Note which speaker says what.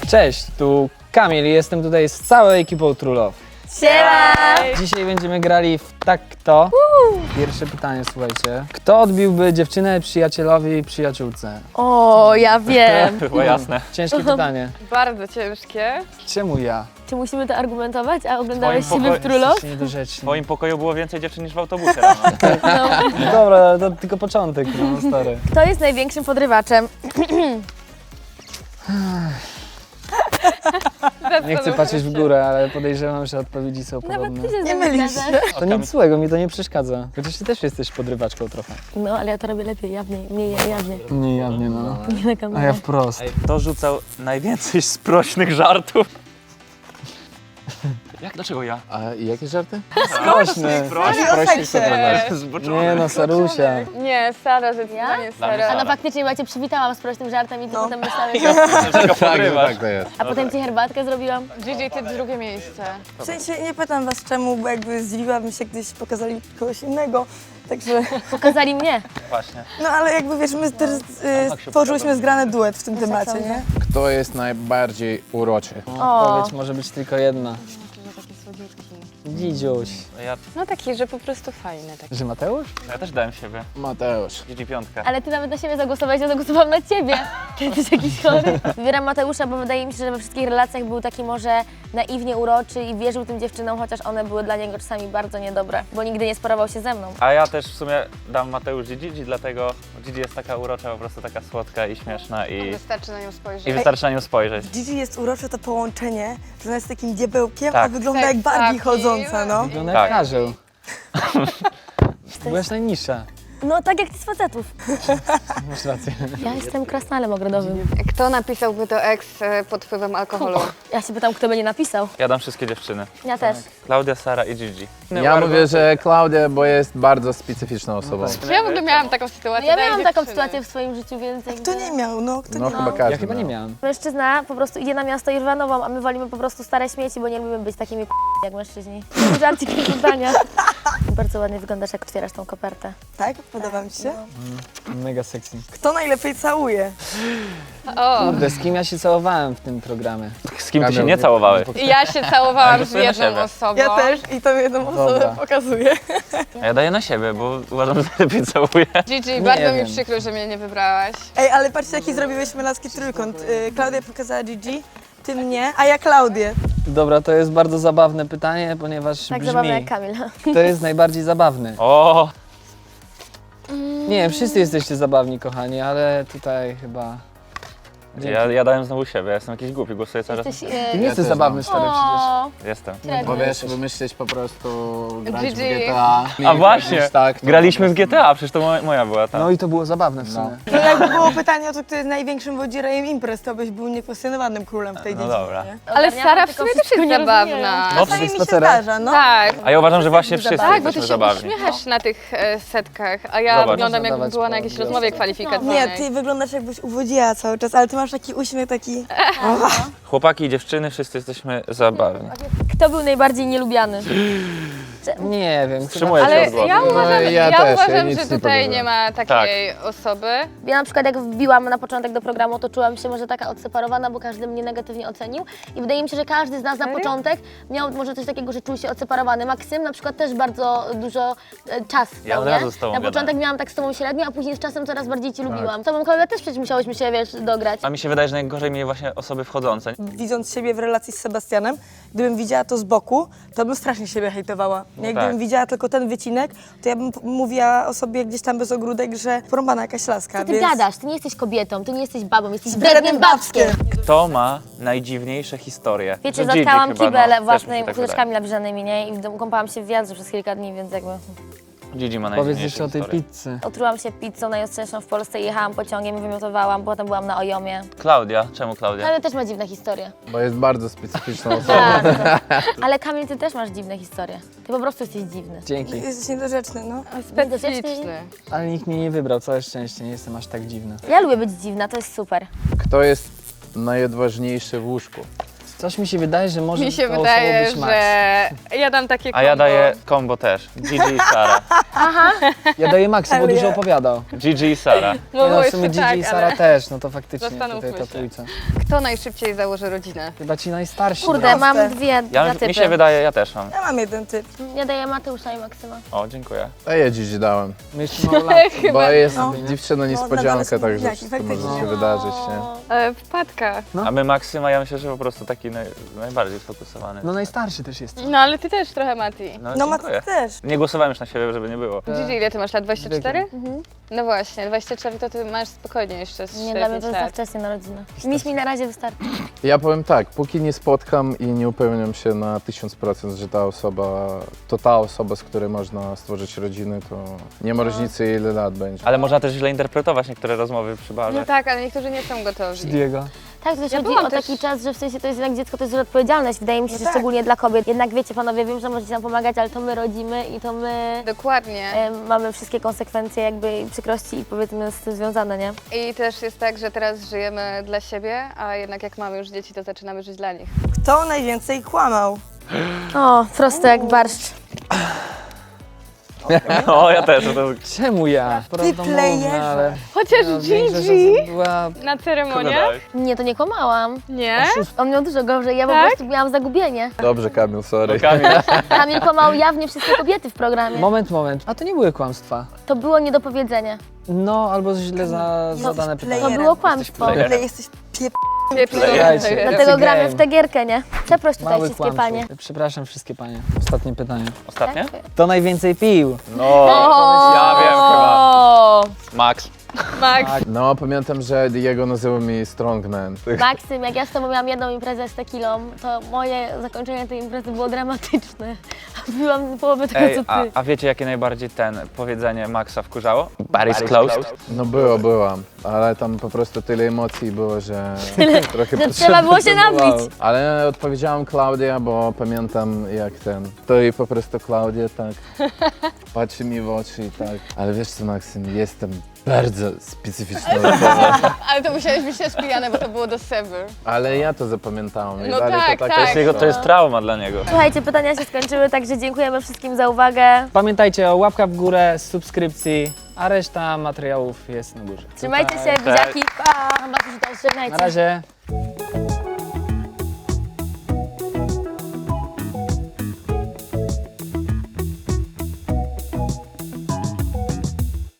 Speaker 1: Cześć, tu Kamil i jestem tutaj z całą ekipą True Love.
Speaker 2: Siema!
Speaker 1: Dzisiaj będziemy grali w Tak Kto. Pierwsze pytanie, słuchajcie. Kto odbiłby dziewczynę przyjacielowi i przyjaciółce?
Speaker 2: O, ja wiem.
Speaker 3: Było jasne.
Speaker 1: Ciężkie pytanie.
Speaker 4: Bardzo ciężkie.
Speaker 1: Czemu ja?
Speaker 2: Czy musimy to argumentować, a oglądałeś
Speaker 3: Twoim
Speaker 2: siebie w True Love?
Speaker 1: Jesteście
Speaker 3: W
Speaker 1: niedorzeczni.
Speaker 3: twoim pokoju było więcej dziewczyn niż w autobusie rano.
Speaker 1: No dobra, to tylko początek, no stary.
Speaker 2: Kto jest największym podrywaczem?
Speaker 1: Nie chcę patrzeć w górę, ale podejrzewam, że odpowiedzi są
Speaker 2: Nawet
Speaker 1: podobne.
Speaker 2: ty się
Speaker 4: Nie mylisz się.
Speaker 1: To nic złego, mi to nie przeszkadza. Chociaż ty też jesteś podrywaczką trochę.
Speaker 2: No, ale ja to robię lepiej, jawniej, mniej jawnie.
Speaker 1: Nie jawnie, no.
Speaker 2: Nie na
Speaker 1: A
Speaker 2: kamerę.
Speaker 1: ja wprost.
Speaker 3: Kto rzucał najwięcej sprośnych żartów? Jak? Dlaczego ja?
Speaker 5: A jakie żarty?
Speaker 1: Sprośny.
Speaker 5: Prościej podrywać.
Speaker 3: Zboczony.
Speaker 1: Nie no, Sarusia.
Speaker 4: Nie, Sara, zdecydowanie
Speaker 2: Ja?
Speaker 4: Sara.
Speaker 2: A no faktycznie, bo ja cię przywitałam z prostym żartem i ty potem myślałeś,
Speaker 3: Dlaczego
Speaker 5: Tak,
Speaker 3: podrywasz?
Speaker 5: tak to jest.
Speaker 2: a potem ci herbatkę zrobiłam.
Speaker 4: Gigi, ty drugie miejsce.
Speaker 6: W sensie nie pytam was czemu, bo jakby zdziwiłabym się, gdyś pokazali kogoś innego, także...
Speaker 2: Pokazali mnie.
Speaker 3: Właśnie.
Speaker 6: No ale jakby wiesz, my też stworzyłyśmy zgrany duet w tym temacie, nie?
Speaker 5: Kto jest najbardziej uroczy?
Speaker 1: Odpowiedź może być tylko jedna. Dzidziuś.
Speaker 3: Ja
Speaker 4: No taki, że po prostu fajny. Taki.
Speaker 1: Że Mateusz?
Speaker 3: też dałem siebie.
Speaker 5: Mateusz.
Speaker 3: Gigi piątka.
Speaker 2: Ale ty nawet na siebie zagłosowałeś, ja zagłosowałam na ciebie. Ty jesteś jakiś chory. Wybieram Mateusza, bo wydaje mi się, że we wszystkich relacjach był taki może naiwnie uroczy i wierzył tym dziewczynom, chociaż one były dla niego czasami bardzo niedobre, bo nigdy nie sparował się ze mną.
Speaker 3: A ja też w sumie dam Mateusz Gigi, dlatego Gigi jest taka urocza, po prostu taka słodka i śmieszna i
Speaker 4: Wystarczy na nią spojrzeć.
Speaker 3: wystarczy na nią spojrzeć.
Speaker 6: Gigi jest urocze to połączenie, że ona jest takim diabełkiem,
Speaker 3: Tak.
Speaker 6: a wygląda jak Barbie
Speaker 4: Seksapil.
Speaker 6: chodząca, no.
Speaker 1: Wygląda
Speaker 3: Tak.
Speaker 1: jak karzeł. Byłaś najniższa.
Speaker 2: No tak jak ty z facetów.
Speaker 1: Masz rację.
Speaker 2: Ja jestem krasnalem ogrodowym.
Speaker 4: Kto napisałby to ex pod wpływem alkoholu?
Speaker 2: Ja się pytam, kto będzie napisał.
Speaker 3: Ja dam wszystkie dziewczyny.
Speaker 2: Ja też.
Speaker 3: Klaudia, Sara i Gigi.
Speaker 5: Ja mówię, że Klaudia, bo jest bardzo specyficzną osobą.
Speaker 4: Ja w ogóle miałam taką sytuację.
Speaker 2: Ja
Speaker 4: daję
Speaker 2: miałam taką
Speaker 4: dziewczyny.
Speaker 2: sytuację w swoim życiu, więc jakby...
Speaker 6: Kto nie miał, no? Kto
Speaker 5: No
Speaker 6: nie
Speaker 5: chyba
Speaker 6: miał?
Speaker 5: każdy.
Speaker 1: Ja chyba nie
Speaker 5: miał.
Speaker 1: miałem.
Speaker 2: Mężczyzna po prostu idzie na miasto i rwa nową, a my wolimy po prostu stare śmieci, bo nie lubimy być takimi jak mężczyźni. Żarcik do zdania. Bardzo ładnie wyglądasz, jak otwierasz tą kopertę.
Speaker 6: Tak? Podoba mi się.
Speaker 1: Mega sexy.
Speaker 6: Kto najlepiej całuje?
Speaker 4: O,
Speaker 1: Kurde, z kim ja się całowałem w tym programie?
Speaker 3: Z kim ty się nie całowałeś?
Speaker 4: ja się całowałam z
Speaker 3: Głosuję na
Speaker 4: jedną
Speaker 3: siebie.
Speaker 4: osobą.
Speaker 6: Ja też i to jedną osobę
Speaker 1: Dobra.
Speaker 6: pokazuję.
Speaker 3: A ja daję na siebie, bo uważam, że lepiej całuję.
Speaker 4: Gigi, bardzo
Speaker 1: wiem.
Speaker 4: mi przykro, że mnie nie wybrałaś.
Speaker 6: Ej, ale patrzcie jaki zrobiłeś męski trójkąt. Klaudia pokazała Gigi, ty mnie, a ja Klaudię.
Speaker 1: Dobra, to jest bardzo zabawne pytanie, ponieważ
Speaker 2: Tak zabawne jak
Speaker 1: brzmi,
Speaker 2: Kamil.
Speaker 1: kto jest najbardziej zabawny?
Speaker 3: O,
Speaker 1: Nie, wszyscy jesteście zabawni, kochani, ale tutaj chyba...
Speaker 3: ja dałem znowu siebie, ja jestem jakiś głupi, głosuję cały czas.
Speaker 2: Jesteś...
Speaker 1: Ty nie jesteś
Speaker 5: też
Speaker 1: zabawny, stary, przecież.
Speaker 2: O,
Speaker 3: Jestem.
Speaker 5: Bo wiesz, wymyślić po prostu grać w
Speaker 4: Gigi.
Speaker 5: GTA.
Speaker 3: A właśnie,
Speaker 5: Tak, to
Speaker 3: graliśmy w
Speaker 5: po prostu-
Speaker 3: GTA, przecież to moja była ta.
Speaker 1: No i to było zabawne w sumie.
Speaker 6: To jakby było pytanie o to, kto jest największym wodzirejem imprez, to byś był niekwestionowanym królem w tej
Speaker 3: No
Speaker 6: dziedzinie.
Speaker 3: dobra.
Speaker 6: nie?
Speaker 4: Ale
Speaker 2: ogarniam,
Speaker 4: Sara w
Speaker 2: tylko
Speaker 4: sumie też
Speaker 2: wszystko
Speaker 4: jest
Speaker 2: nie
Speaker 4: zabawna.
Speaker 2: rozumieją.
Speaker 3: No,
Speaker 6: Czasami mi się
Speaker 1: spacerach.
Speaker 6: zdarza, no.
Speaker 4: Tak.
Speaker 3: A ja uważam, że właśnie wszyscy
Speaker 4: Tak, bo ty
Speaker 3: jesteśmy
Speaker 4: się
Speaker 3: zabawni.
Speaker 4: uśmiechasz na tych setkach, a ja
Speaker 3: Zobacz.
Speaker 4: wyglądam
Speaker 1: Można
Speaker 4: jakbym
Speaker 1: dawać
Speaker 4: była na
Speaker 1: po
Speaker 4: jakiejś
Speaker 1: gwiazdce.
Speaker 4: rozmowie kwalifikacyjnej.
Speaker 6: Nie, ty wyglądasz jakbyś uwodziła cały czas, ale ty masz taki uśmiech taki...
Speaker 3: Chłopaki i dziewczyny, wszyscy jesteśmy zabawni.
Speaker 2: Kto był najbardziej nielubiany?
Speaker 1: Nie wiem, chyba...
Speaker 3: Wstrzymuję się
Speaker 4: Ale
Speaker 3: od głosu.
Speaker 4: ja uważam,
Speaker 5: ja
Speaker 4: ja
Speaker 5: też, ja
Speaker 4: uważam
Speaker 5: nic
Speaker 4: że
Speaker 5: nie
Speaker 4: tutaj
Speaker 5: powiem.
Speaker 4: nie ma takiej osoby.
Speaker 2: Ja na przykład jak wbiłam na początek do programu, to czułam się może taka odseparowana, bo każdy mnie negatywnie ocenił. I wydaje mi się, że każdy z nas na początek miał może coś takiego, że czuł się odseparowany. Maksym na przykład też bardzo dużo czas
Speaker 3: Ja
Speaker 2: dał,
Speaker 3: od
Speaker 2: nie?
Speaker 3: razu z tobą
Speaker 2: Na
Speaker 3: gadałem.
Speaker 2: początek miałam tak z tobą średnio, a później z czasem coraz bardziej cię lubiłam. Z tobą, Klaudia, też przecież musiałyśmy się, wiesz, dograć.
Speaker 3: A mi się wydaje, że najgorzej mnie właśnie osoby wchodzące.
Speaker 6: Widząc siebie w relacji z Sebastianem, gdybym widziała to z boku, to bym strasznie siebie hejtowała. Nie?
Speaker 3: tak.
Speaker 6: Gdybym widziała tylko ten wycinek, to ja bym mówiła o sobie gdzieś tam bez ogródek, że porąbana jakaś laska.
Speaker 2: Co ty gadasz? Ty nie jesteś kobietą, ty nie jesteś babą, jesteś
Speaker 6: Wrednym
Speaker 2: wrednym babskiem.
Speaker 3: Kto ma najdziwniejsze historie?
Speaker 2: Wiecie,
Speaker 3: Że Gigi
Speaker 2: zatkałam
Speaker 3: chyba,
Speaker 2: kibel
Speaker 3: też mi
Speaker 2: własnymi
Speaker 3: się tak
Speaker 2: kółeczkami nabliżanymi, nie? I w domu kąpałam się w wiadrze przez kilka dni, więc jakby...
Speaker 3: wydaje. Gigi ma
Speaker 1: Powiedz
Speaker 3: najdziwniejsze
Speaker 1: jeszcze o tej
Speaker 3: historie.
Speaker 1: pizzy.
Speaker 2: Otrułam się pizzą najostrzejszą w Polsce, jechałam pociągiem i wymiotowałam, potem byłam na Ojomie.
Speaker 3: Klaudia, czemu Klaudia?
Speaker 2: Ale też ma dziwne historie.
Speaker 5: Bo jest bardzo specyficzną osobą.
Speaker 2: Tak. Ale Kamil, ty też masz dziwne historie. Ty po prostu jesteś dziwny.
Speaker 1: Dzięki.
Speaker 6: Jesteś niedorzeczny, no.
Speaker 4: Specyficzny.
Speaker 1: Ale nikt mnie nie wybrał, całe szczęście, nie jestem aż tak dziwny.
Speaker 2: Ja lubię być dziwna, to jest super.
Speaker 5: Kto jest najodważniejszy w łóżku?
Speaker 1: Coś mi się wydaje, że może
Speaker 4: Mi się
Speaker 1: tą
Speaker 4: wydaje,
Speaker 1: osobą być Max.
Speaker 4: że ja dam takie
Speaker 3: A ja
Speaker 4: combo.
Speaker 3: daję combo też. Gigi i Sara.
Speaker 1: Ja daję Maxa, bo
Speaker 6: Ale
Speaker 1: dużo
Speaker 6: ja-
Speaker 1: opowiadał.
Speaker 3: Gigi i Sara.
Speaker 1: No,
Speaker 4: Mogło
Speaker 1: w sumie
Speaker 4: jeszcze
Speaker 1: Gigi
Speaker 4: tak,
Speaker 1: i Sara
Speaker 4: ale
Speaker 1: też, no to faktycznie
Speaker 4: Zastanówmy
Speaker 1: tutaj ta
Speaker 4: się.
Speaker 1: trójca.
Speaker 4: kto najszybciej założy rodzinę?
Speaker 1: Chyba ci najstarsi.
Speaker 2: Kurde,
Speaker 6: Proste.
Speaker 2: mam dwa typy.
Speaker 3: Mi się wydaje, ja też mam.
Speaker 6: Ja mam jeden typ.
Speaker 2: Ja daję Mateusza i Maksyma.
Speaker 3: O, dziękuję.
Speaker 5: A ja dziś dałem.
Speaker 1: My jeszcze mało lat.
Speaker 5: Bo jest
Speaker 6: No.
Speaker 5: dziewczyna
Speaker 6: nadal
Speaker 5: niespodzianka,
Speaker 6: są
Speaker 5: także
Speaker 6: bliźniaki,
Speaker 5: wszystko może
Speaker 6: faktycznie.
Speaker 5: się wydarzyć, nie?
Speaker 4: Wpadka.
Speaker 3: A my Maksyma, ja myślę, że po prostu taki najbardziej sfokusowany.
Speaker 1: No najstarszy też jest.
Speaker 4: No ale ty też trochę, Mati.
Speaker 6: No
Speaker 3: dziękuję.
Speaker 6: Maty też.
Speaker 3: Nie głosowałem już na siebie, żeby nie było.
Speaker 4: Gigi, ile ty masz lat? 24?
Speaker 2: Mhm.
Speaker 4: No właśnie, 24 to ty masz spokojnie jeszcze z
Speaker 2: Nie, dla mnie to
Speaker 4: 4-5
Speaker 2: jest za
Speaker 4: lat.
Speaker 2: wcześnie na rodzinę. Miś mi na razie wystarczy.
Speaker 5: Ja powiem tak, póki nie spotkam i nie upewniam się na 1000%, że to ta osoba, z której można stworzyć rodzinę, to nie ma różnicy ile lat będzie.
Speaker 3: Ale można też źle interpretować niektóre rozmowy przy barze.
Speaker 4: No tak, ale niektórzy nie są gotowi.
Speaker 1: Diego.
Speaker 2: Tak, to też
Speaker 4: Ja
Speaker 2: chodzi
Speaker 4: byłam
Speaker 2: o
Speaker 4: też-
Speaker 2: taki czas, że w sensie to jest jednak dziecko, to jest duża odpowiedzialność. Wydaje mi się, że
Speaker 6: tak.
Speaker 2: szczególnie dla kobiet. Jednak wiecie, panowie, wiem, że możecie nam pomagać, ale to my rodzimy i to my
Speaker 4: Dokładnie.
Speaker 2: mamy wszystkie konsekwencje jakby i przykrości i powiedzmy z tym związane, nie?
Speaker 4: I też jest tak, że teraz żyjemy dla siebie, a jednak jak mamy już dzieci, to zaczynamy żyć dla nich.
Speaker 6: Kto najwięcej kłamał?
Speaker 2: O, prosto jak barszcz.
Speaker 3: O, ja też. To jest...
Speaker 1: Czemu ja? Prawdomówny,
Speaker 6: playerze.
Speaker 1: ale...
Speaker 4: Chociaż
Speaker 1: no, większość
Speaker 4: Gigi
Speaker 1: osób była...
Speaker 4: na ceremonii?
Speaker 2: Nie, to nie kłamałam.
Speaker 4: Nie?
Speaker 2: On miał dużo gorzej, ja po
Speaker 4: Tak?
Speaker 2: prostu miałam zagubienie.
Speaker 5: Dobrze, Kamil, sorry.
Speaker 3: Kamil.
Speaker 2: Kamil kłamał jawnie wszystkie kobiety w programie.
Speaker 1: Moment. A to nie były kłamstwa.
Speaker 2: To było niedopowiedzenie.
Speaker 1: No, albo źle zadane
Speaker 6: Jesteś
Speaker 1: pytanie.
Speaker 2: To było kłamstwo.
Speaker 3: playerem.
Speaker 6: Ale jesteś
Speaker 1: Słuchajcie.
Speaker 2: Dlatego
Speaker 1: It's a
Speaker 2: gramy
Speaker 1: game.
Speaker 2: w tę gierkę, nie? Przeproś tutaj
Speaker 1: Mały
Speaker 2: wszystkie
Speaker 1: kłamców.
Speaker 2: panie.
Speaker 1: Przepraszam wszystkie panie. Ostatnie pytanie.
Speaker 3: Ostatnie?
Speaker 1: Kto najwięcej pił?
Speaker 3: No, ja wiem chyba.
Speaker 2: O!
Speaker 3: Max.
Speaker 4: Max.
Speaker 5: No, pamiętam, że Diego nazywał mi Strongman.
Speaker 2: Maksym, jak ja z tobą miałam jedną imprezę z tequilą, to moje zakończenie tej imprezy było dramatyczne. Byłam połowę tego,
Speaker 3: Ej,
Speaker 2: co ty.
Speaker 3: a wiecie jakie najbardziej powiedzenie Maxa wkurzało? Barry's closed.
Speaker 5: No byłam, ale tam po prostu tyle emocji było, że trochę
Speaker 2: że trzeba było się
Speaker 5: potrzebowało.
Speaker 2: nabić.
Speaker 5: Ale odpowiedziałam Klaudia, bo pamiętam jak to i po prostu Klaudia tak patrzy mi w oczy i tak. Ale wiesz co, Maksym, jestem bardzo specyficzną osobą.
Speaker 4: Ale to musiałeś być też pijany, bo to było do Sever.
Speaker 5: Ale ja to zapamiętałem i
Speaker 4: No
Speaker 5: dalej
Speaker 4: tak,
Speaker 5: to
Speaker 4: tak.
Speaker 5: jest
Speaker 3: To jest trauma dla niego.
Speaker 2: Słuchajcie, pytania się skończyły, także dziękujemy wszystkim za uwagę.
Speaker 1: Pamiętajcie o łapkach w górę, subskrypcji, a reszta materiałów jest na górze.
Speaker 2: Trzymajcie się,
Speaker 1: Tutaj.
Speaker 2: buziaki. Pa! Chyba, że to żegnajcie.
Speaker 1: Na razie.